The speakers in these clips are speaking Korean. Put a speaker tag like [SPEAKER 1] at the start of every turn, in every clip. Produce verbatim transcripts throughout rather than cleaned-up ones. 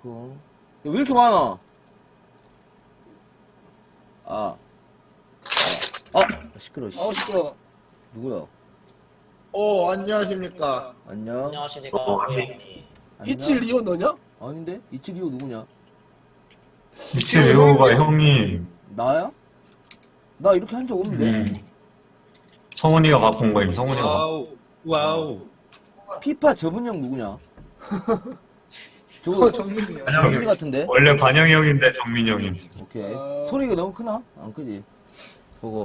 [SPEAKER 1] 그거. 야, 왜 이렇게 많아? 아. 아. 아. 시끄러워, 씨.
[SPEAKER 2] 어, 시끄러워.
[SPEAKER 1] 누구야?
[SPEAKER 2] 어, 안녕하십니까.
[SPEAKER 1] 안녕.
[SPEAKER 3] 안녕하십니까,
[SPEAKER 4] 어,
[SPEAKER 3] 고양이.
[SPEAKER 1] 안녕?
[SPEAKER 2] 이칠리오 너냐?
[SPEAKER 1] 아닌데? 이치리오 누구냐?
[SPEAKER 4] 이칠레오가 형님.
[SPEAKER 1] 나야? 나 이렇게 한 적 없는데?
[SPEAKER 4] 음. 성훈이가 바꾼 거임, 성훈이가.
[SPEAKER 2] 와우, 와우.
[SPEAKER 1] 피파 저분 형 누구냐? 저거
[SPEAKER 2] 어, 정민이야.
[SPEAKER 1] 정민이 같은데?
[SPEAKER 4] 원래 관영이 형인데 정민이 형임.
[SPEAKER 1] 오케이.
[SPEAKER 2] 어.
[SPEAKER 1] 소리가 너무 크나? 안 크지? 그거.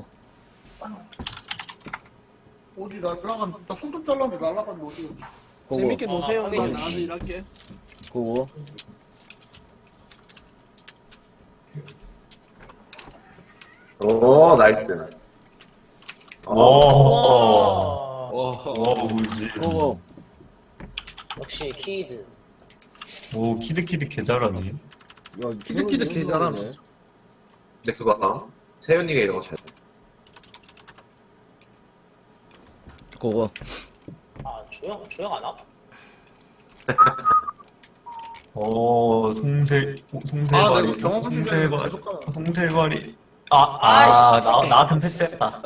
[SPEAKER 2] 어디 날라간, 나 손톱 잘랐는데 날라갔는데 어디 갔지?
[SPEAKER 1] 그거.
[SPEAKER 5] 재밌게 노세요.
[SPEAKER 3] 아,
[SPEAKER 5] 나
[SPEAKER 3] 확인.
[SPEAKER 5] 나가서 일할게.
[SPEAKER 1] 그거.
[SPEAKER 6] 오, 나이스.
[SPEAKER 4] 오.
[SPEAKER 3] 와.
[SPEAKER 4] 오, 뭐지.
[SPEAKER 1] 그거.
[SPEAKER 3] 역시 키드.
[SPEAKER 4] 오, 키드키드 개 잘하네.
[SPEAKER 1] 야,
[SPEAKER 2] 키드키드 개 잘함,
[SPEAKER 1] 네
[SPEAKER 2] 진짜.
[SPEAKER 6] 근데 그거, 세윤이가 이거 잘.
[SPEAKER 1] 그거.
[SPEAKER 3] 아, 조용, 조용 안 와?
[SPEAKER 4] 오, 송세, 오,
[SPEAKER 2] 아, 나
[SPEAKER 4] 송세발이.
[SPEAKER 2] 이거 경험 중에
[SPEAKER 4] 송세발,
[SPEAKER 2] 계속 가나.
[SPEAKER 4] 송세발이. 아, 아,
[SPEAKER 3] 아이씨,
[SPEAKER 4] 나, 나한텐 패스했다.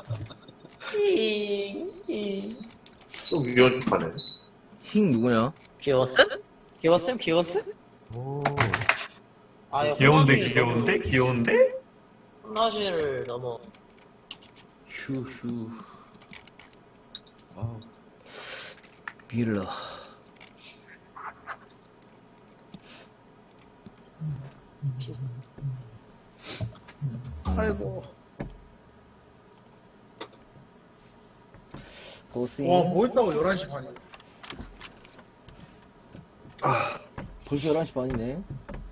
[SPEAKER 6] 또 위험 하네.
[SPEAKER 1] 힝 누구냐?
[SPEAKER 3] 귀여웠음? 귀여웠음? 귀여웠음?
[SPEAKER 4] 오.
[SPEAKER 3] 아, 야,
[SPEAKER 4] 귀여운데,
[SPEAKER 3] 호랑이
[SPEAKER 4] 귀여운데, 귀여운데?
[SPEAKER 3] 혼나실 너무.
[SPEAKER 1] 휴휴. 아우. 밀러.
[SPEAKER 2] 아이고.
[SPEAKER 1] 고생.
[SPEAKER 2] 와, 뭐 했다고 열한 시 반이야.
[SPEAKER 1] 벌써 열한 시 반이네.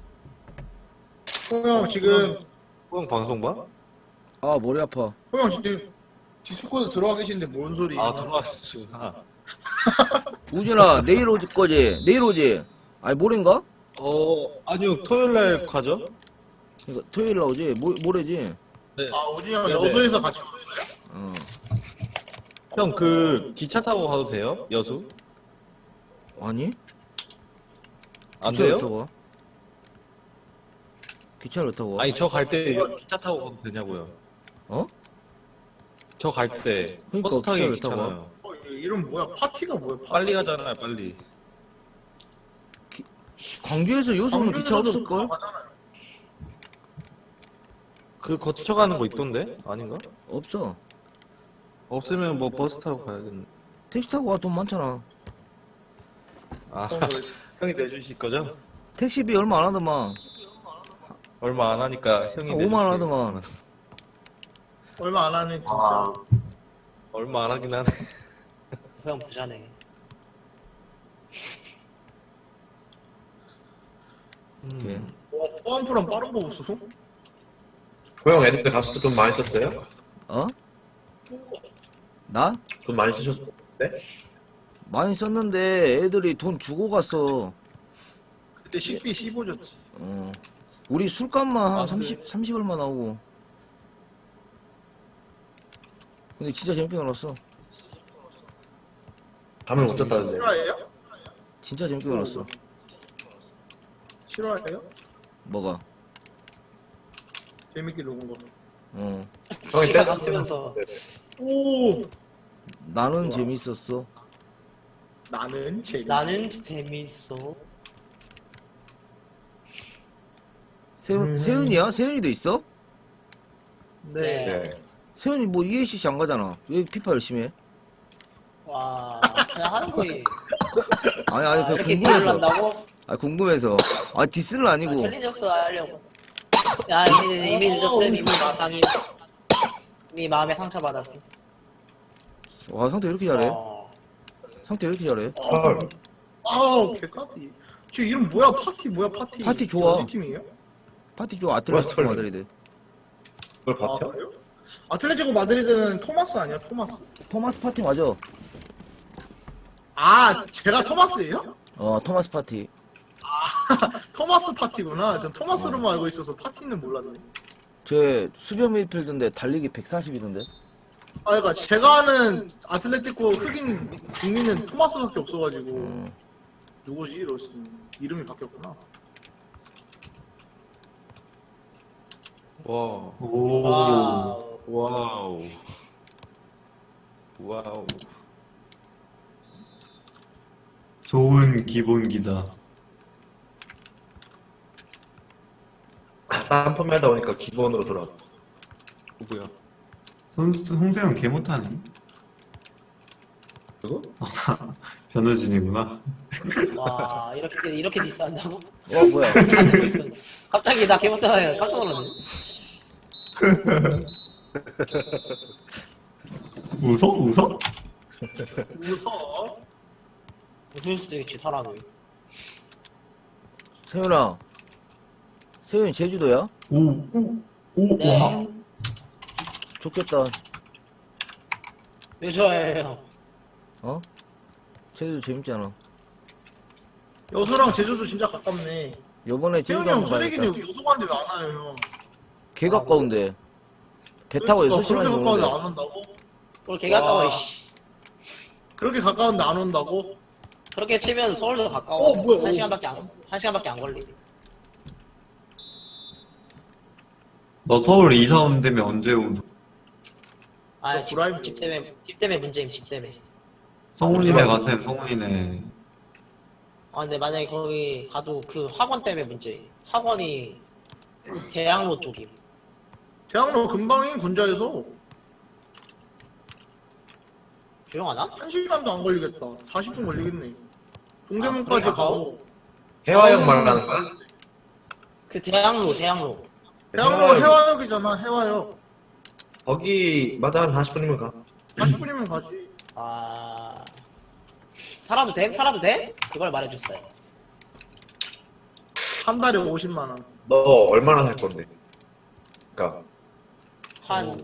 [SPEAKER 2] 호영 지금,
[SPEAKER 7] 형 방송 봐?
[SPEAKER 1] 아, 머리 아파.
[SPEAKER 2] 호영 지금 디스코드 들어와 계시는데 뭔 소리?
[SPEAKER 7] 아 들어가시구나.
[SPEAKER 1] 우진아, 내일 오지 거지? 내일 오지? 아니, 모레인가?
[SPEAKER 7] 어 아니요 토요일 날 가죠?
[SPEAKER 1] 그러니까 토요일 날 오지? 모, 모레지?
[SPEAKER 7] 네.
[SPEAKER 2] 아, 오진이 형
[SPEAKER 7] 네네.
[SPEAKER 2] 여수에서 같이.
[SPEAKER 1] 어.
[SPEAKER 7] 형 그 기차 타고 가도 돼요? 여수?
[SPEAKER 1] 아니?
[SPEAKER 7] 안
[SPEAKER 1] 기차를
[SPEAKER 7] 돼요?
[SPEAKER 1] 왜 타고 와? 기차를 왜 타고 와?
[SPEAKER 7] 아니 저 갈 때 기차 타고 가도 되냐고요?
[SPEAKER 1] 어?
[SPEAKER 7] 저 갈 때
[SPEAKER 1] 그러니까
[SPEAKER 7] 버스 타기
[SPEAKER 1] 기차를 타고
[SPEAKER 7] 귀찮아요.
[SPEAKER 2] 어, 이름 뭐야? 파티가 뭐야? 파티?
[SPEAKER 7] 빨리 가잖아요 빨리.
[SPEAKER 1] 광주에서 여수는 기차
[SPEAKER 2] 광주에서도
[SPEAKER 1] 없을걸?
[SPEAKER 2] 가잖아요.
[SPEAKER 7] 그 거쳐가는 거 있던데? 아닌가?
[SPEAKER 1] 없어.
[SPEAKER 7] 없으면 뭐 버스 타고 가야겠네.
[SPEAKER 1] 택시 타고 와, 돈 많잖아.
[SPEAKER 7] 아
[SPEAKER 2] 어,
[SPEAKER 7] 형이 내주실 거죠?
[SPEAKER 1] 택시비 얼마 안 하더만.
[SPEAKER 7] 얼마 안 하니까 형이
[SPEAKER 1] 한 오만 원
[SPEAKER 7] 내주세요.
[SPEAKER 1] 하더만.
[SPEAKER 2] 얼마 안 하네, 진짜.
[SPEAKER 6] 아,
[SPEAKER 7] 얼마 안 하긴 하네.
[SPEAKER 3] 그냥 부자네.
[SPEAKER 1] 오케이.
[SPEAKER 7] 음.
[SPEAKER 2] 와, 후반프랑 빠른 거 없어?
[SPEAKER 6] 호영 애들 때 갔을 때 돈 많이 썼어요?
[SPEAKER 1] 어? 나?
[SPEAKER 6] 돈 많이 쓰셨어요? 네?
[SPEAKER 1] 많이 썼는데 애들이 돈 주고 갔어.
[SPEAKER 2] 그때 식비 십오 줬지.
[SPEAKER 1] 어. 우리 술값만 한
[SPEAKER 7] 아,
[SPEAKER 1] 삼십, 삼십 얼마 나오고. 근데 진짜 재밌게 놀았어.
[SPEAKER 6] 잠을 못 잤다는데.
[SPEAKER 2] 실화예요?
[SPEAKER 1] 진짜 재밌게 놀았어.
[SPEAKER 2] 실화예요?
[SPEAKER 1] 뭐가?
[SPEAKER 2] 재밌게 녹은 거.
[SPEAKER 1] 어.
[SPEAKER 6] 형이
[SPEAKER 3] 시간
[SPEAKER 6] 뺐어.
[SPEAKER 3] 갔으면서.
[SPEAKER 2] 오!
[SPEAKER 1] 나는 재밌었어.
[SPEAKER 2] 나는 재밌어.
[SPEAKER 3] 나는 재밌어.
[SPEAKER 1] 세훈, 세훈이야? 세훈이도 있어?
[SPEAKER 2] 네.
[SPEAKER 6] 네.
[SPEAKER 1] 세훈이 뭐 이에이씨씨 안 가잖아. 왜 피파 열심히 해?
[SPEAKER 3] 와, 그냥 하는 거지.
[SPEAKER 1] 아니, 아니,
[SPEAKER 3] 아,
[SPEAKER 1] 그
[SPEAKER 3] 이렇게
[SPEAKER 1] 궁금해서.
[SPEAKER 3] 딜을 한다고?
[SPEAKER 1] 아, 궁금해서. 아, 디스는
[SPEAKER 3] 아,
[SPEAKER 1] 아니고.
[SPEAKER 3] 챌린지 역수 하려고. 야, 이미, 이미 늦었음. 이미 마상이. 이미 마음에 상처받았어.
[SPEAKER 1] 와, 상태 왜 이렇게 잘해?
[SPEAKER 3] 어.
[SPEAKER 1] 상태 왜 이렇게 잘해?
[SPEAKER 6] 헐.
[SPEAKER 2] 아우, 개까비. 저 이름 뭐야? 파티 뭐야? 파티.
[SPEAKER 1] 파티 좋아.
[SPEAKER 2] 어디 팀이에요?
[SPEAKER 1] 파티 줘, 아틀레티코
[SPEAKER 6] 뭐야,
[SPEAKER 1] 마드리드.
[SPEAKER 6] 그걸
[SPEAKER 2] 아,
[SPEAKER 6] 버텨?
[SPEAKER 2] 그래요? 아틀레티코 마드리드는 토마스 아니야? 토마스?
[SPEAKER 1] 토마스 파티 맞아.
[SPEAKER 2] 아, 제가 토마스예요?
[SPEAKER 1] 어, 토마스 파티.
[SPEAKER 2] 토마스 파티구나. 전 토마스로만 알고 있어서 파티는 몰랐네.
[SPEAKER 1] 제 수비형 미드필드인데 달리기 백사십이던데.
[SPEAKER 2] 아, 그러니까 제가 아는 아틀레티코 흑인 국민은 토마스밖에 없어가지고
[SPEAKER 1] 음.
[SPEAKER 2] 누구지? 이러시 이름이 바뀌었구나.
[SPEAKER 7] 와.
[SPEAKER 4] 오.
[SPEAKER 3] 와우.
[SPEAKER 7] 와우. 와우.
[SPEAKER 4] 좋은 기본기다.
[SPEAKER 6] 딴판매 하다 보니까 기본으로 돌아왔다.
[SPEAKER 7] 누구야?
[SPEAKER 4] 송, 송세영 개 못하네.
[SPEAKER 7] 누구?
[SPEAKER 4] 변호진이구나.
[SPEAKER 3] 와 이렇게 이렇게 디스한다고?
[SPEAKER 1] 어 뭐야?
[SPEAKER 3] 갑자기 나 개못하네. 깜짝 놀랐네.
[SPEAKER 4] 웃어? 웃어?
[SPEAKER 2] 웃어.
[SPEAKER 3] 웃을 수도 있지 사람이.
[SPEAKER 1] 세윤아. 세윤이 제주도야?
[SPEAKER 4] 오, 오, 오,
[SPEAKER 3] 네.
[SPEAKER 4] 와.
[SPEAKER 1] 좋겠다.
[SPEAKER 3] 왜 좋아해요?
[SPEAKER 1] 어? 제주도 재밌잖아.
[SPEAKER 2] 여수랑 제주도 진짜 가깝네.
[SPEAKER 1] 요번에
[SPEAKER 2] 태훈이
[SPEAKER 1] 제주도
[SPEAKER 2] 형
[SPEAKER 1] 한번
[SPEAKER 2] 쓰레기는
[SPEAKER 1] 가야겠다.
[SPEAKER 2] 여기 여수 가는데 왜 안 와요 형?
[SPEAKER 1] 개 가까운데. 배 타고
[SPEAKER 2] 그러니까
[SPEAKER 1] 여섯 시간이
[SPEAKER 2] 그렇게 가까운데
[SPEAKER 1] 오는데.
[SPEAKER 2] 안 온다고?
[SPEAKER 3] 그걸 개 가까워
[SPEAKER 2] 와.
[SPEAKER 3] 이씨.
[SPEAKER 2] 그렇게 가까운데 안 온다고?
[SPEAKER 3] 그렇게 치면 서울도 가까워.
[SPEAKER 2] 어, 뭐야,
[SPEAKER 3] 한
[SPEAKER 2] 어.
[SPEAKER 3] 시간밖에 안, 한 시간밖에 안 걸리.
[SPEAKER 4] 너 서울 이사 온다며 언제 오는?
[SPEAKER 3] 아,
[SPEAKER 2] 너
[SPEAKER 3] 집,
[SPEAKER 2] 브라이브.
[SPEAKER 3] 집 때문에, 집 때문에 문제임, 집 때문에.
[SPEAKER 4] 성훈이네 가셈, 성훈이네.
[SPEAKER 3] 아, 근데 만약에 거기 가도 그 학원 때문에 문제임. 학원이 대학로 쪽임.
[SPEAKER 2] 대학로 금방인 군자에서
[SPEAKER 3] 조용하나?
[SPEAKER 2] 한 시간도 안 걸리겠다. 사십 분 걸리겠네. 동대문까지
[SPEAKER 3] 아, 그래,
[SPEAKER 2] 가고.
[SPEAKER 6] 해화역 말하는 거야?
[SPEAKER 3] 그 대학로, 대학로.
[SPEAKER 2] 대학로 해화역이잖아. 해화역.
[SPEAKER 6] 거기 맞아 한 사십 분이면 가.
[SPEAKER 2] 사십 분이면 가지.
[SPEAKER 3] 아. 살아도 돼? 살아도 돼? 그걸 말해줬어요.
[SPEAKER 2] 한 달에 오십만 원.
[SPEAKER 6] 너 얼마나 살 건데? 그러니까
[SPEAKER 3] 한,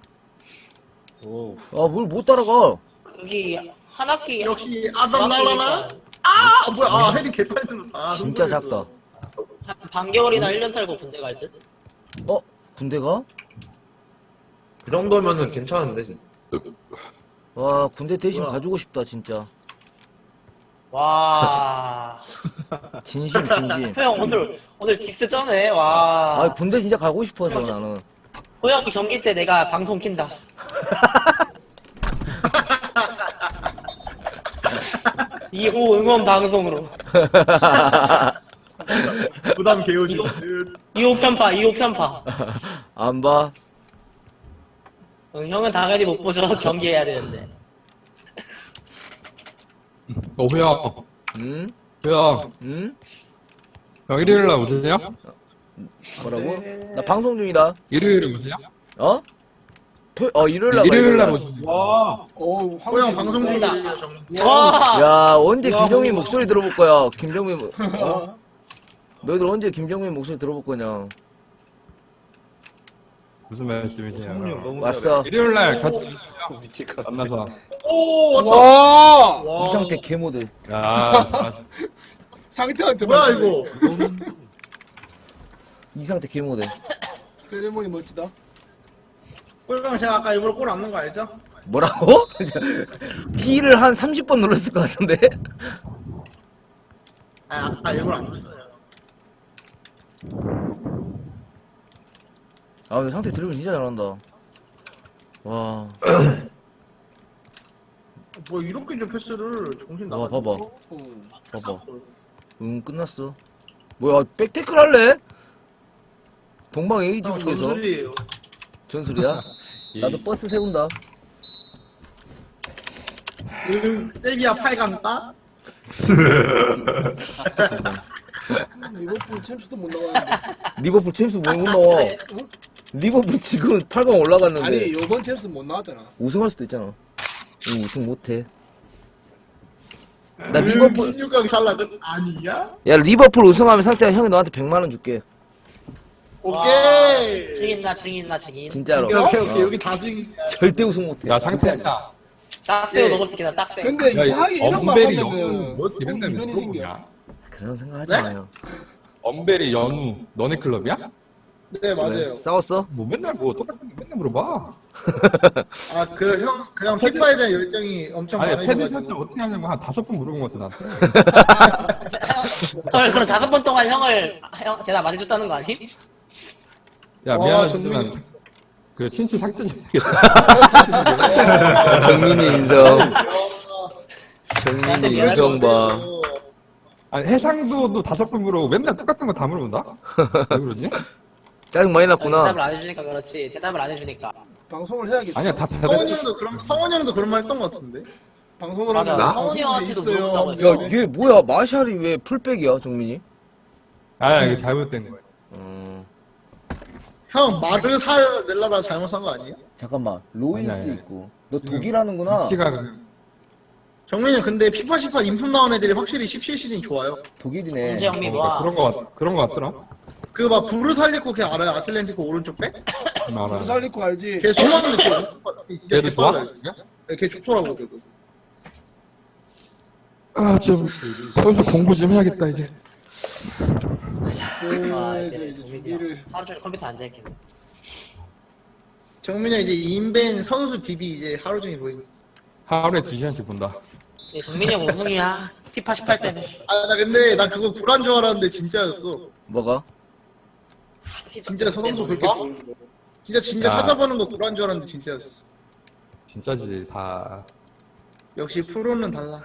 [SPEAKER 7] 오.
[SPEAKER 1] 아, 뭘 못 따라가.
[SPEAKER 3] 거기 한 학기.
[SPEAKER 2] 역시 아담
[SPEAKER 3] 중학기니까
[SPEAKER 2] 날라나? 아 뭐야? 아 해리 개빨리 생겼다. 아,
[SPEAKER 1] 진짜
[SPEAKER 2] 흥분했어.
[SPEAKER 1] 작다.
[SPEAKER 3] 한 반개월이나 일 년 살고 군대 갈 듯?
[SPEAKER 1] 어? 군대가?
[SPEAKER 6] 그 정도면은 괜찮은데. 진짜.
[SPEAKER 1] 와, 군대 대신
[SPEAKER 2] 뭐야?
[SPEAKER 1] 가주고 싶다, 진짜.
[SPEAKER 3] 와.
[SPEAKER 1] 진심, 진심.
[SPEAKER 3] 호영 오늘, 오늘 디스 쩌네, 와.
[SPEAKER 1] 아, 군대 진짜 가고 싶어서 나는.
[SPEAKER 3] 호영 경기 때 내가 방송 킨다. 이 호 응원 방송으로.
[SPEAKER 2] 부담 개요지.
[SPEAKER 3] 이 호 편파, 이 호 편파.
[SPEAKER 1] 안 봐?
[SPEAKER 3] 응, 형은 당연히 못 보죠. 경기해야 되는데.
[SPEAKER 5] 어, 호영,
[SPEAKER 1] 응?
[SPEAKER 5] 호영,
[SPEAKER 1] 응?
[SPEAKER 5] 형 일요일날 오세요?
[SPEAKER 1] 뭐라고? 나 방송 중이다.
[SPEAKER 5] 일요일에 오세요?
[SPEAKER 1] 어? 토, 어, 일요일날 가,
[SPEAKER 5] 일요일날
[SPEAKER 1] 일요일날.
[SPEAKER 5] 오세요.
[SPEAKER 7] 와.
[SPEAKER 2] 호영 방송 중이에요 정.
[SPEAKER 3] 와!
[SPEAKER 1] 야, 언제 김정민 목소리 들어볼 거야? 김정민, 목- 어? 너희들 언제 김정민 목소리 들어볼 거냐?
[SPEAKER 5] 무슨 말씀이세요?
[SPEAKER 7] 너무
[SPEAKER 1] 왔어.
[SPEAKER 5] 일요일날 같이
[SPEAKER 7] 미칠까?
[SPEAKER 5] 만나서.
[SPEAKER 2] 오 왔다.
[SPEAKER 8] 와
[SPEAKER 2] 와.
[SPEAKER 1] 이 상태 개모드.
[SPEAKER 5] 야, 잘하시.
[SPEAKER 8] 상태한테
[SPEAKER 2] 뭐야
[SPEAKER 8] 맞네.
[SPEAKER 2] 이거?
[SPEAKER 1] 이 상태 개모드.
[SPEAKER 8] 세레모니 멋지다.
[SPEAKER 2] 꼴강 제가 아까 일부러 골 안 넣은 거 알죠?
[SPEAKER 1] 뭐라고? T를 한 삼십 번 눌렀을 것 같은데?
[SPEAKER 2] 아 아까 일부러 안 넣었어요.
[SPEAKER 1] 아, 근데 상태 드리블 진짜 잘한다. 와,
[SPEAKER 2] 뭐 이렇게 좀 패스를 정신
[SPEAKER 1] 와,
[SPEAKER 2] 나가.
[SPEAKER 1] 봐봐.
[SPEAKER 8] 어.
[SPEAKER 1] 봐봐. 응, 끝났어. 뭐야, 백태클 할래? 동방 에이지
[SPEAKER 2] 형
[SPEAKER 1] 북에서
[SPEAKER 2] 전술이에요.
[SPEAKER 1] 전술이야? 나도 버스 세운다.
[SPEAKER 2] 응, 세비야 팔 강 따?
[SPEAKER 8] 리버풀 챔스도 못 나가는데.
[SPEAKER 1] 리버풀 챔스 못 나와. 리버풀 지금 팔 강 올라갔는데
[SPEAKER 8] 아니 요번 챔스 못 나왔잖아.
[SPEAKER 1] 우승할 수도 있잖아. 응, 우승 못해. 나 리버풀
[SPEAKER 2] 십육 강 샬라든 아니야?
[SPEAKER 1] 야 리버풀 우승하면 상태가 형이 너한테 백만 원 줄게.
[SPEAKER 2] 오케이.
[SPEAKER 3] 증인 나 증인 나 증인.
[SPEAKER 1] 진짜로.
[SPEAKER 2] 오케이 오케이 오케이
[SPEAKER 1] 어.
[SPEAKER 2] 여기 다 증인이야.
[SPEAKER 1] 절대 우승 못해.
[SPEAKER 5] 야, 상태야.
[SPEAKER 3] 딱새우
[SPEAKER 2] 예.
[SPEAKER 3] 먹을 수 있겠다, 딱새우.
[SPEAKER 8] 근데
[SPEAKER 5] 야,
[SPEAKER 8] 이상하게 이런 말
[SPEAKER 5] 엄벨이
[SPEAKER 8] 하면은
[SPEAKER 5] 연우, 뭐
[SPEAKER 8] 보통
[SPEAKER 5] 이런 데는
[SPEAKER 8] 이변이
[SPEAKER 5] 또
[SPEAKER 8] 생겨.
[SPEAKER 5] 뭐냐?
[SPEAKER 1] 그런 생각 하지
[SPEAKER 2] 네?
[SPEAKER 1] 마요.
[SPEAKER 5] 엄벨이 연우, 너네 클럽이야?
[SPEAKER 2] 네 맞아요.
[SPEAKER 1] 왜? 싸웠어?
[SPEAKER 5] 뭐 맨날 뭐 똑같은 거 맨날 물어봐.
[SPEAKER 2] 아 그 형 그냥 피파에 대한 열정이 엄청
[SPEAKER 5] 아니, 패드 설정
[SPEAKER 2] 많으셔가지고.
[SPEAKER 5] 어떻게 하냐고 한 다섯 번 물어본 것 같아, 나한테.
[SPEAKER 3] 헐, 그럼 다섯 번 동안 형을, 형, 대답 안 해줬다는 거 아니?
[SPEAKER 5] 야,
[SPEAKER 2] 와,
[SPEAKER 5] 미안하지만,
[SPEAKER 2] 정민이.
[SPEAKER 5] 그, 친추 삭제 좀.
[SPEAKER 1] 정민이 인성.
[SPEAKER 3] 나한테
[SPEAKER 1] 정민이
[SPEAKER 3] 미안하지
[SPEAKER 1] 인성 봐.
[SPEAKER 5] 아니, 해상도 너 다섯 번 물어보고 맨날 똑같은 거 다 물어본다? 왜 그러지?
[SPEAKER 1] 짜증 많이
[SPEAKER 3] 대답을
[SPEAKER 1] 났구나.
[SPEAKER 3] 안 해주니까 그렇지. 대답을 안 해주니까.
[SPEAKER 8] 방송을 해야겠다.
[SPEAKER 5] 아니야, 다
[SPEAKER 2] 성원이
[SPEAKER 5] 대답해.
[SPEAKER 2] 형도 그런 성원이 형도 그런 말 했던 것 같은데.
[SPEAKER 8] 방송을
[SPEAKER 3] 맞아.
[SPEAKER 8] 하면
[SPEAKER 3] 성훈이 형한테도
[SPEAKER 8] 있어요.
[SPEAKER 3] 물어보라고
[SPEAKER 1] 야,
[SPEAKER 3] 했어.
[SPEAKER 1] 얘 뭐야? 마샬이 왜 풀백이야, 정민이?
[SPEAKER 5] 아, 이게 잘못된 거야.
[SPEAKER 1] 음,
[SPEAKER 2] 형 마르살렐라다 잘못 산 거 아니에요?
[SPEAKER 1] 잠깐만. 로이스
[SPEAKER 5] 아니야, 아니야.
[SPEAKER 1] 있고. 너 독일하는구나.
[SPEAKER 5] 위치가, 그-
[SPEAKER 2] 정민이 형 근데 피파 십팔 인품 나온 애들이 확실히 십칠 시즌 좋아요.
[SPEAKER 1] 독일이네.
[SPEAKER 3] 홍재영미
[SPEAKER 5] 어,
[SPEAKER 3] 뭐야?
[SPEAKER 5] 그런 거 같, 그런 거 같더라.
[SPEAKER 2] 그 막 부르 살리고 걔 알아요? 아틀레티코 오른쪽 백?
[SPEAKER 5] 음, 알아.
[SPEAKER 8] 살리코 알지?
[SPEAKER 2] 걔 좋아하는데 걔 진짜
[SPEAKER 5] 걔도
[SPEAKER 2] 걔
[SPEAKER 5] 좋아?
[SPEAKER 2] 빨라요. 네, 걔 좋더라고 걔도.
[SPEAKER 5] 아, 좀, 선수 공부 좀 해야겠다, 이제.
[SPEAKER 3] 아,
[SPEAKER 8] 그
[SPEAKER 3] 이제
[SPEAKER 8] 이제
[SPEAKER 3] 정민이
[SPEAKER 8] 준비를
[SPEAKER 3] 하루 종일 컴퓨터 앉아있겠네.
[SPEAKER 2] 정민이 형 이제 인벤 선수 디비 이제 하루 종일 보이네.
[SPEAKER 5] 하루에 두 시간씩 본다.
[SPEAKER 3] 예, 정민이 형 우승이야. 피파 십팔 때문에.
[SPEAKER 2] 아 나 근데 나 그거 구란 줄 알았는데 진짜였어.
[SPEAKER 1] 뭐가?
[SPEAKER 2] 진짜 선수 그렇게
[SPEAKER 3] 거?
[SPEAKER 2] 보는 거. 진짜 진짜
[SPEAKER 5] 야.
[SPEAKER 2] 찾아보는 거 구란 줄 알았는데 진짜였어.
[SPEAKER 5] 진짜지, 다.
[SPEAKER 2] 역시 프로는 달라.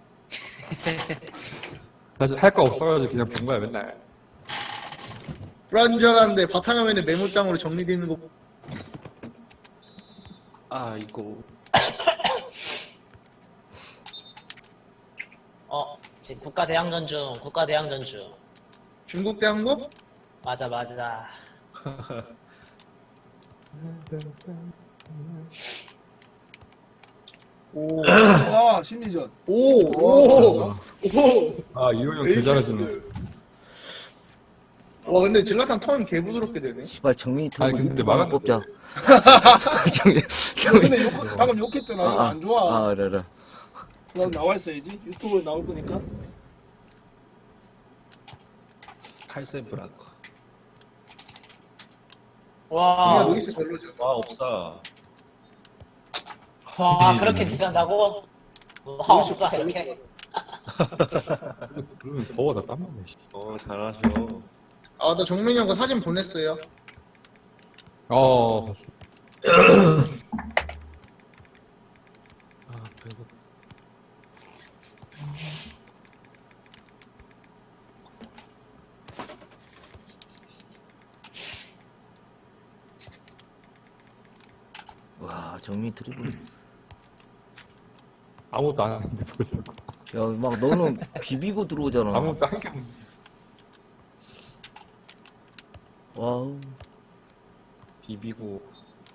[SPEAKER 5] 사실 할 거 없어가지고 그냥 본 거야, 맨날.
[SPEAKER 2] 구란 줄 알았는데 바탕화면에 메모장으로 정리되어 있는 거.
[SPEAKER 7] 아 이거
[SPEAKER 3] 어, 지금 국가 대항전 중. 국가 대항전 중.
[SPEAKER 2] 중국 대 한국?
[SPEAKER 3] 맞아, 맞아.
[SPEAKER 2] 오.
[SPEAKER 8] 와 심리전.
[SPEAKER 2] 오. 오. 오.
[SPEAKER 5] 아, 이호 형 개 잘하시네.
[SPEAKER 2] 와 근데 질라탄 턴 개 부드럽게 되네.
[SPEAKER 1] 씨발, 정민이
[SPEAKER 5] 아니,
[SPEAKER 1] 틀고
[SPEAKER 5] 근데
[SPEAKER 1] 유튜브 한번
[SPEAKER 5] 막았는데.
[SPEAKER 1] 뽑자. 정민, 정민.
[SPEAKER 8] 근데 욕, 방금 욕했잖아. 이거 안 좋아.
[SPEAKER 1] 아, 그래, 그래.
[SPEAKER 8] 난 나와 있어야지. 유튜브에 나올 거니까.
[SPEAKER 7] 칼센 브라커.
[SPEAKER 3] 와,
[SPEAKER 2] 아, 루이스 별로죠.
[SPEAKER 7] 와 없어.
[SPEAKER 3] 와, 그렇게 디스한다고? 와, 없어, 이렇게.
[SPEAKER 5] 그러면 더워, 나 땀나네, 씨.
[SPEAKER 7] 어 잘하셔.
[SPEAKER 2] 아 나 정민이 형 거 사진 보냈어요.
[SPEAKER 5] 어, 봤어.
[SPEAKER 7] 아 배고.
[SPEAKER 1] 와, 정민이 드리블.
[SPEAKER 5] 아무것도 안 하는데 보자고.
[SPEAKER 1] 야, 막 너는 비비고 들어오잖아.
[SPEAKER 5] 아무것도 한 게 없네.
[SPEAKER 1] 와우.
[SPEAKER 7] 비비고.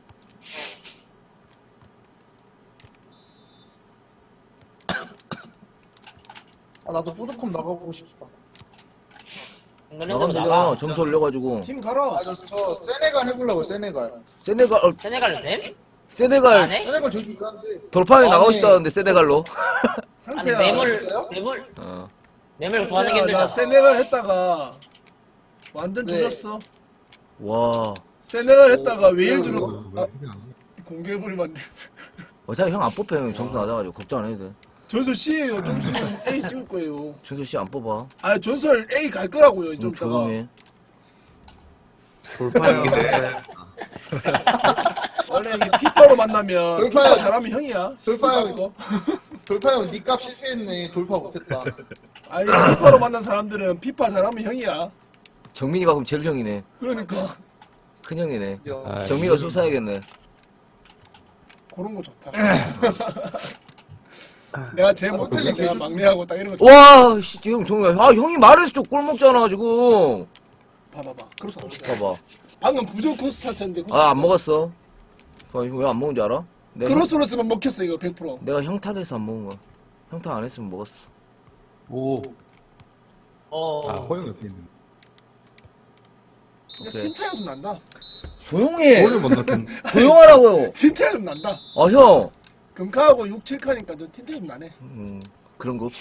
[SPEAKER 2] 아 나도 푸드컵 나가보고 싶다.
[SPEAKER 3] 잉글랜드로
[SPEAKER 1] 나가면
[SPEAKER 3] 나가.
[SPEAKER 1] 되잖아. 점수 올려가지고.
[SPEAKER 8] 팀 가라.
[SPEAKER 2] 아저 저 세네갈 해보려고 세네갈.
[SPEAKER 1] 세네갈, 어,
[SPEAKER 3] 세네갈 됨?
[SPEAKER 1] 세네갈
[SPEAKER 3] 안 해?
[SPEAKER 2] 세네갈 되게 유리한데.
[SPEAKER 1] 돌판에
[SPEAKER 2] 아니.
[SPEAKER 1] 나가고 싶다는데, 세네갈로.
[SPEAKER 3] 아니,
[SPEAKER 8] 상태야.
[SPEAKER 3] 매물,
[SPEAKER 2] 진짜요?
[SPEAKER 3] 매물,
[SPEAKER 1] 어.
[SPEAKER 3] 매물 구하는 게
[SPEAKER 8] 야, 나
[SPEAKER 3] 힘들잖아.
[SPEAKER 8] 세네갈 했다가 완전
[SPEAKER 2] 네.
[SPEAKER 8] 줄였어.
[SPEAKER 1] 와.
[SPEAKER 8] 세네갈 했다가 웨일
[SPEAKER 2] 오,
[SPEAKER 8] 들어.
[SPEAKER 5] 왜
[SPEAKER 8] 아,
[SPEAKER 5] 그게 안 돼?
[SPEAKER 8] 공개해버리면 안 돼.
[SPEAKER 1] 어차피 형 안 뽑혀, 형 점수 낮아가지고. 걱정 안 해도 돼.
[SPEAKER 8] 전설 C예요. 좀 있으면 A 찍을 거예요.
[SPEAKER 1] 최소 씨 안 뽑아.
[SPEAKER 8] 아 전설 A 갈 거라고요.
[SPEAKER 1] 좀
[SPEAKER 8] 좀 있다가.
[SPEAKER 1] 조용해.
[SPEAKER 7] 돌파형인데.
[SPEAKER 8] 원래 이게 피파로 만나면
[SPEAKER 2] 돌파야.
[SPEAKER 8] 피파 잘하면 형이야.
[SPEAKER 2] 돌파야.
[SPEAKER 8] 이거.
[SPEAKER 2] 돌파 형 니값 실패했네. 돌파 못했다.
[SPEAKER 8] 아니 피파로 만난 사람들은 피파 잘하면 형이야.
[SPEAKER 1] 정민이가 그럼 제일 형이네.
[SPEAKER 8] 그러니까
[SPEAKER 1] 큰 형이네.
[SPEAKER 2] 그죠?
[SPEAKER 5] 아,
[SPEAKER 1] 정민이가 술 사야겠네.
[SPEAKER 8] 그런 거 좋다. 내가 제일 못해.
[SPEAKER 2] 호텔에
[SPEAKER 8] 내가
[SPEAKER 2] 개주-
[SPEAKER 8] 막내하고 딱 이런 거 좋다.
[SPEAKER 1] 와, 씨, 형, 정민아. 아, 형이 말해서 또 꼴 먹잖아, 지금.
[SPEAKER 8] 봐봐봐. 그래서 안 먹어.
[SPEAKER 1] 봐봐.
[SPEAKER 8] 방금 부족 코스 샀었는데.
[SPEAKER 1] 아, 안 먹었어. 아, 이거 왜 안 먹은 줄 알아? 내가,
[SPEAKER 8] 크로스로스만 먹혔어 이거 백 퍼센트.
[SPEAKER 1] 내가 형타 돼서 안 먹은 거야. 형타 안 했으면 먹었어.
[SPEAKER 5] 오.
[SPEAKER 3] 어,
[SPEAKER 5] 아, 허영 옆에 있는.
[SPEAKER 8] 근데
[SPEAKER 1] 오케이.
[SPEAKER 8] 팀 차이가 좀 난다.
[SPEAKER 1] 조용해.
[SPEAKER 5] 골을 못 넣겠네.
[SPEAKER 1] 조용하라고요.
[SPEAKER 8] 팀 차이가 좀 난다.
[SPEAKER 1] 아, 형.
[SPEAKER 8] 금카하고 육, 칠 카니까 좀 팀 차이 좀 나네.
[SPEAKER 1] 음, 그런 거 없어.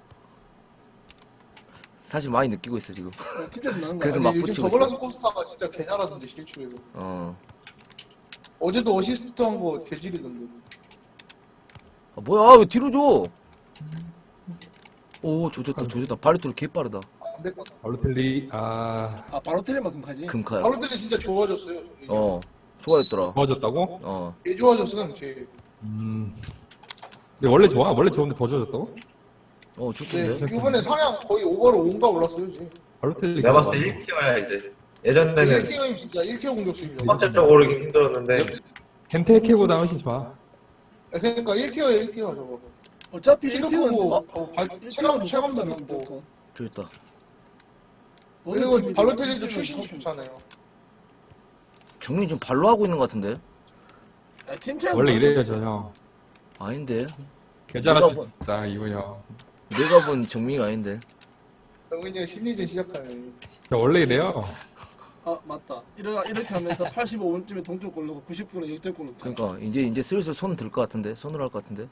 [SPEAKER 1] 사실 많이 느끼고 있어, 지금.
[SPEAKER 8] 어, 팀 차이 좀 나는 거야.
[SPEAKER 1] 그래서
[SPEAKER 2] 아니,
[SPEAKER 1] 막
[SPEAKER 2] 요즘
[SPEAKER 1] 붙이고
[SPEAKER 2] 더글라스
[SPEAKER 1] 있어.
[SPEAKER 2] 코스타가 진짜 개 잘하던데 실축에서.
[SPEAKER 1] 어.
[SPEAKER 2] 어제도 어시스트 한 거 개질이던데.
[SPEAKER 1] 아, 뭐야, 왜 뒤로 줘? 오, 조졌다, 조졌다. 발리토르 개 빠르다.
[SPEAKER 9] 안 될 것 같아.
[SPEAKER 5] 발로텔리, 아,
[SPEAKER 8] 아 바로 틀리만큼 가지.
[SPEAKER 1] 금카야.
[SPEAKER 9] 바로들이 진짜 좋아졌어요.
[SPEAKER 1] 어, 좋아했더라.
[SPEAKER 5] 좋아졌다고?
[SPEAKER 1] 어,
[SPEAKER 9] 개 좋아졌음 제.
[SPEAKER 5] 음. 근데 원래 좋아? 원래 좋은데 더 좋아졌다고?
[SPEAKER 1] 어,
[SPEAKER 9] 네,
[SPEAKER 1] 좋던데.
[SPEAKER 9] 이번에 상향 거의 오버로 온가 올랐어요 이제.
[SPEAKER 5] 발로텔리.
[SPEAKER 6] 내가 봤을 때 일 티어야 이제. 예전에는
[SPEAKER 9] 일 티어임 진짜 일 티어 공격수입니다.
[SPEAKER 6] 첫 번째적으로 오르기 힘들었는데
[SPEAKER 5] 켄테케보다 훨씬 좋아.
[SPEAKER 9] 그러니까 일 티어에 일 티어 저거.
[SPEAKER 8] 어차피
[SPEAKER 9] 키도
[SPEAKER 8] 일 티어는
[SPEAKER 9] 크고
[SPEAKER 8] 어,
[SPEAKER 9] 어, 발-
[SPEAKER 8] 일
[SPEAKER 9] 체감
[SPEAKER 8] 티어는
[SPEAKER 9] 체감도
[SPEAKER 8] 무조건
[SPEAKER 9] 있고.
[SPEAKER 8] 무조건.
[SPEAKER 1] 좋겠다.
[SPEAKER 8] 어느
[SPEAKER 9] 그리고
[SPEAKER 8] 팀이든
[SPEAKER 9] 발로텔리도
[SPEAKER 8] 일 티어는
[SPEAKER 9] 출신이
[SPEAKER 8] 더 좋-
[SPEAKER 9] 좋잖아요.
[SPEAKER 1] 정민이 지금 발로 하고 있는 것 같은데?
[SPEAKER 8] 야, 팀 차이
[SPEAKER 5] 원래 이래요, 저 형.
[SPEAKER 1] 아닌데.
[SPEAKER 5] 괜찮았어, 진짜, 이거 형.
[SPEAKER 1] 내가 본 정민이가 아닌데.
[SPEAKER 9] 영민이가 심리전 시작하네.
[SPEAKER 5] 저 원래 이래요.
[SPEAKER 8] 아 맞다. 이러 이렇게 하면서 팔십오 분쯤에 동점골 넣고 구십 분에 역전골 넣잖아.
[SPEAKER 1] 그러니까 이제 이제 슬슬 손 들 것 같은데. 손으로 할 것 같은데.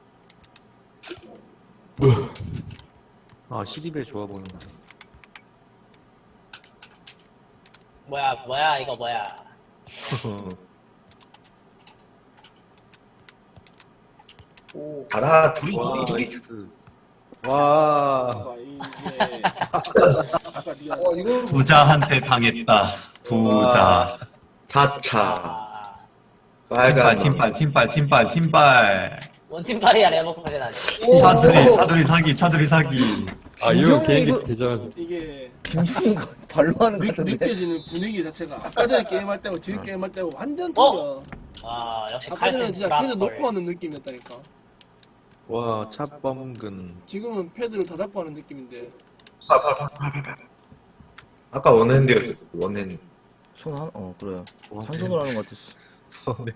[SPEAKER 7] 아, 시리벨 좋아 보인다.
[SPEAKER 3] 뭐야 뭐야 이거 뭐야.
[SPEAKER 9] 오.
[SPEAKER 6] 달아 둘이
[SPEAKER 7] 와,
[SPEAKER 6] 둘이
[SPEAKER 7] 나이스. 와.
[SPEAKER 8] 봐봐 이게 아까 네가
[SPEAKER 9] 와 이거
[SPEAKER 4] 부자한테 당했다. 부자.
[SPEAKER 6] 사 차
[SPEAKER 3] 아,
[SPEAKER 6] 빨간
[SPEAKER 4] 팀빨, 팀빨, 팀빨, 팀빨.
[SPEAKER 3] 원팀팔이야 레버쿠젠 아니.
[SPEAKER 4] 차들이, 차들이 사기, 차들이 사기.
[SPEAKER 5] 아, 이거
[SPEAKER 1] 김정민
[SPEAKER 5] 개인기
[SPEAKER 1] 이거-
[SPEAKER 5] 괜찮아서.
[SPEAKER 8] 이게
[SPEAKER 1] 김정민이가 발로 하는 것
[SPEAKER 8] 느,
[SPEAKER 1] 같은데.
[SPEAKER 8] 느껴지는 분위기 자체가 아까 전에 게임할 때하고 지금 게임할 때하고 완전
[SPEAKER 3] 어?
[SPEAKER 8] 틀려.
[SPEAKER 3] 와 역시
[SPEAKER 8] 아까 전에는
[SPEAKER 3] 칼센
[SPEAKER 8] 진짜 패드
[SPEAKER 3] 브라콜.
[SPEAKER 8] 놓고 하는 느낌이었다니까.
[SPEAKER 7] 와, 차범근.
[SPEAKER 8] 지금은 패드를 다 잡고 하는 느낌인데.
[SPEAKER 6] 아까 원핸드였어. 원핸드.
[SPEAKER 1] 손 한, 어, 그래.
[SPEAKER 7] 와,
[SPEAKER 1] 한 손으로 하는 것 같았어.
[SPEAKER 7] 네.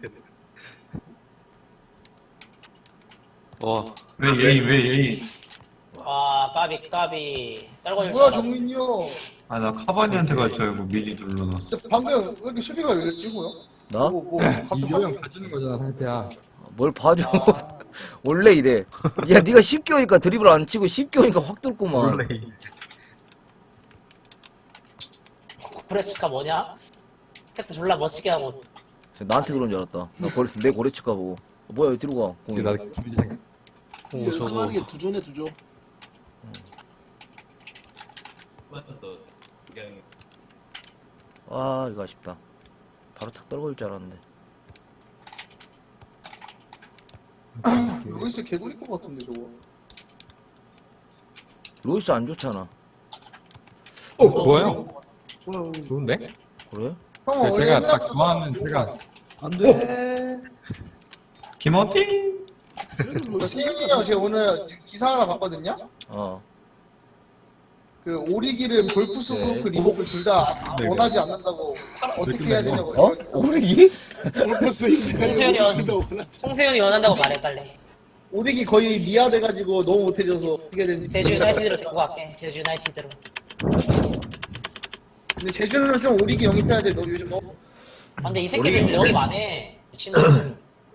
[SPEAKER 7] 와,
[SPEAKER 4] 왜, 왜, 왜, 왜.
[SPEAKER 3] 와 까비 까비 떨궈줄
[SPEAKER 9] 뭐야
[SPEAKER 3] 줄 알았네.
[SPEAKER 9] 정민이 형.
[SPEAKER 4] 아, 나 카바니한테 갈 알고 미리 눌러놨어.
[SPEAKER 9] 근데 방금 왜 이렇게 수비가 열렸지 뭐야?
[SPEAKER 1] 나?
[SPEAKER 9] 뭐, 뭐, 갑자기
[SPEAKER 5] 이거 형 가지는 거잖아, 상태야.
[SPEAKER 1] 뭘 봐줘.
[SPEAKER 9] 아.
[SPEAKER 1] 원래 이래. 야, 네가 쉽게 오니까 드리블 안 치고 쉽게 오니까 확 뚫구만.
[SPEAKER 7] 원래
[SPEAKER 3] 고레츠카 뭐냐? 패스 졸라 멋지게 하고.
[SPEAKER 1] 나한테 그런 줄 알았다. 나 고래, 내 고래치까 보고. 어, 뭐야, 여기 뒤로 가. 공이.
[SPEAKER 5] 나 김지 생각.
[SPEAKER 8] 이
[SPEAKER 7] 오, 저거.
[SPEAKER 8] 연습하는 게 두조네 두조.
[SPEAKER 1] 아, 이거 아쉽다. 바로 탁 떨궈질 줄 알았는데.
[SPEAKER 9] 로이스 개구리 것 같은데 저거.
[SPEAKER 1] 로이스 안 좋잖아.
[SPEAKER 5] 어, 뭐야, 형? 좋은데?
[SPEAKER 1] 그래?
[SPEAKER 9] 형
[SPEAKER 5] 그래,
[SPEAKER 9] 원래
[SPEAKER 5] 제가 딱
[SPEAKER 9] 옛날부터
[SPEAKER 5] 좋아하는
[SPEAKER 9] 좋은
[SPEAKER 5] 제가-
[SPEAKER 9] 거 아니야?
[SPEAKER 7] 안 돼.
[SPEAKER 4] 김어티?
[SPEAKER 9] 그러니까 세윤이 형 제가 오늘 기사 하나 봤거든요.
[SPEAKER 1] 어.
[SPEAKER 9] 그 오리기름, 골프스
[SPEAKER 1] 네.
[SPEAKER 9] 크로크, 리버풀 둘 다
[SPEAKER 5] 네,
[SPEAKER 9] 원하지 않는다고 어떻게
[SPEAKER 5] 네,
[SPEAKER 9] 해야
[SPEAKER 5] 네.
[SPEAKER 9] 되냐고.
[SPEAKER 1] 어?
[SPEAKER 9] 이런 기사.
[SPEAKER 1] 오르기?
[SPEAKER 8] 골퍼스
[SPEAKER 3] 송세현이 원 송세현이 원한다고 말해 빨리.
[SPEAKER 9] 오리기 거의 미아돼가지고 너무 못해져서 어떻게 해야 되는지.
[SPEAKER 3] 제주 유나이티드로 데리고 갈게. 제주 유나이티드로.
[SPEAKER 9] 근데 제주는 좀 오리기 영입해야 돼. 너 요즘 너
[SPEAKER 3] 아, 근데 이 새끼들 여기 많네. 미친놈.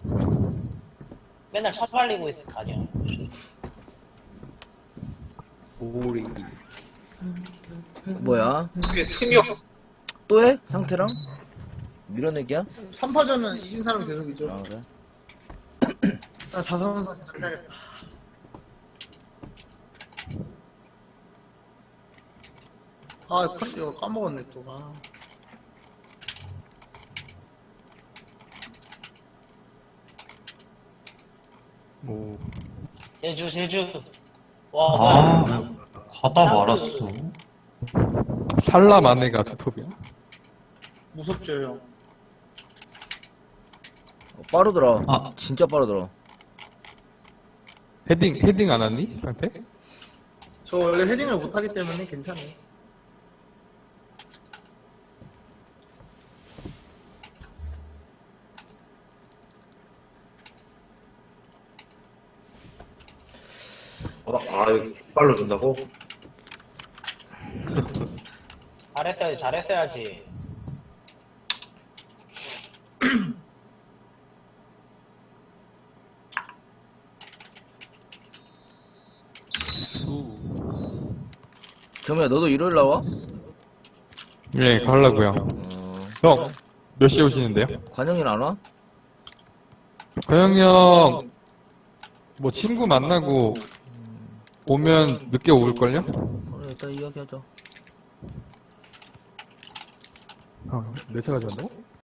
[SPEAKER 3] 맨날 처발리고 있을 거 아니야.
[SPEAKER 7] 오리.
[SPEAKER 1] 뭐야?
[SPEAKER 6] 그게 틈이 없.
[SPEAKER 1] 또 해? 상태랑? 밀어내기야?
[SPEAKER 9] 삼 파전은 이긴 사람이 계속 이죠.
[SPEAKER 1] 아, 그래?
[SPEAKER 9] 나 사 삼사 계속 해야겠다. 아, 컨- 이거 까먹었네 또. 아.
[SPEAKER 7] 오.
[SPEAKER 3] 제주 제주. 와
[SPEAKER 4] 아,
[SPEAKER 3] 뭐야.
[SPEAKER 4] 가다 말았어.
[SPEAKER 5] 살라 마네가 투톱이야?
[SPEAKER 9] 무섭죠 형.
[SPEAKER 1] 어, 빠르더라.
[SPEAKER 4] 아.
[SPEAKER 1] 진짜 빠르더라.
[SPEAKER 5] 헤딩, 헤딩 안 왔니? 상태?
[SPEAKER 9] 저 원래 헤딩을 못하기 때문에 괜찮아요.
[SPEAKER 6] 어, 아, 이거 빨로 준다고?
[SPEAKER 3] 잘했어야지 잘했어야지.
[SPEAKER 1] 정민아, 너도 일요일 나와?
[SPEAKER 5] 예, 가려고요.
[SPEAKER 1] 어.
[SPEAKER 5] 형, 몇 시에 오시는데요?
[SPEAKER 1] 관영이는 안 와?
[SPEAKER 5] 과영 형, 뭐 친구 만나고 오면 늦게 올걸요?
[SPEAKER 1] 그래, 일단 이야기하자.
[SPEAKER 5] 어, 내 차 가져간다고?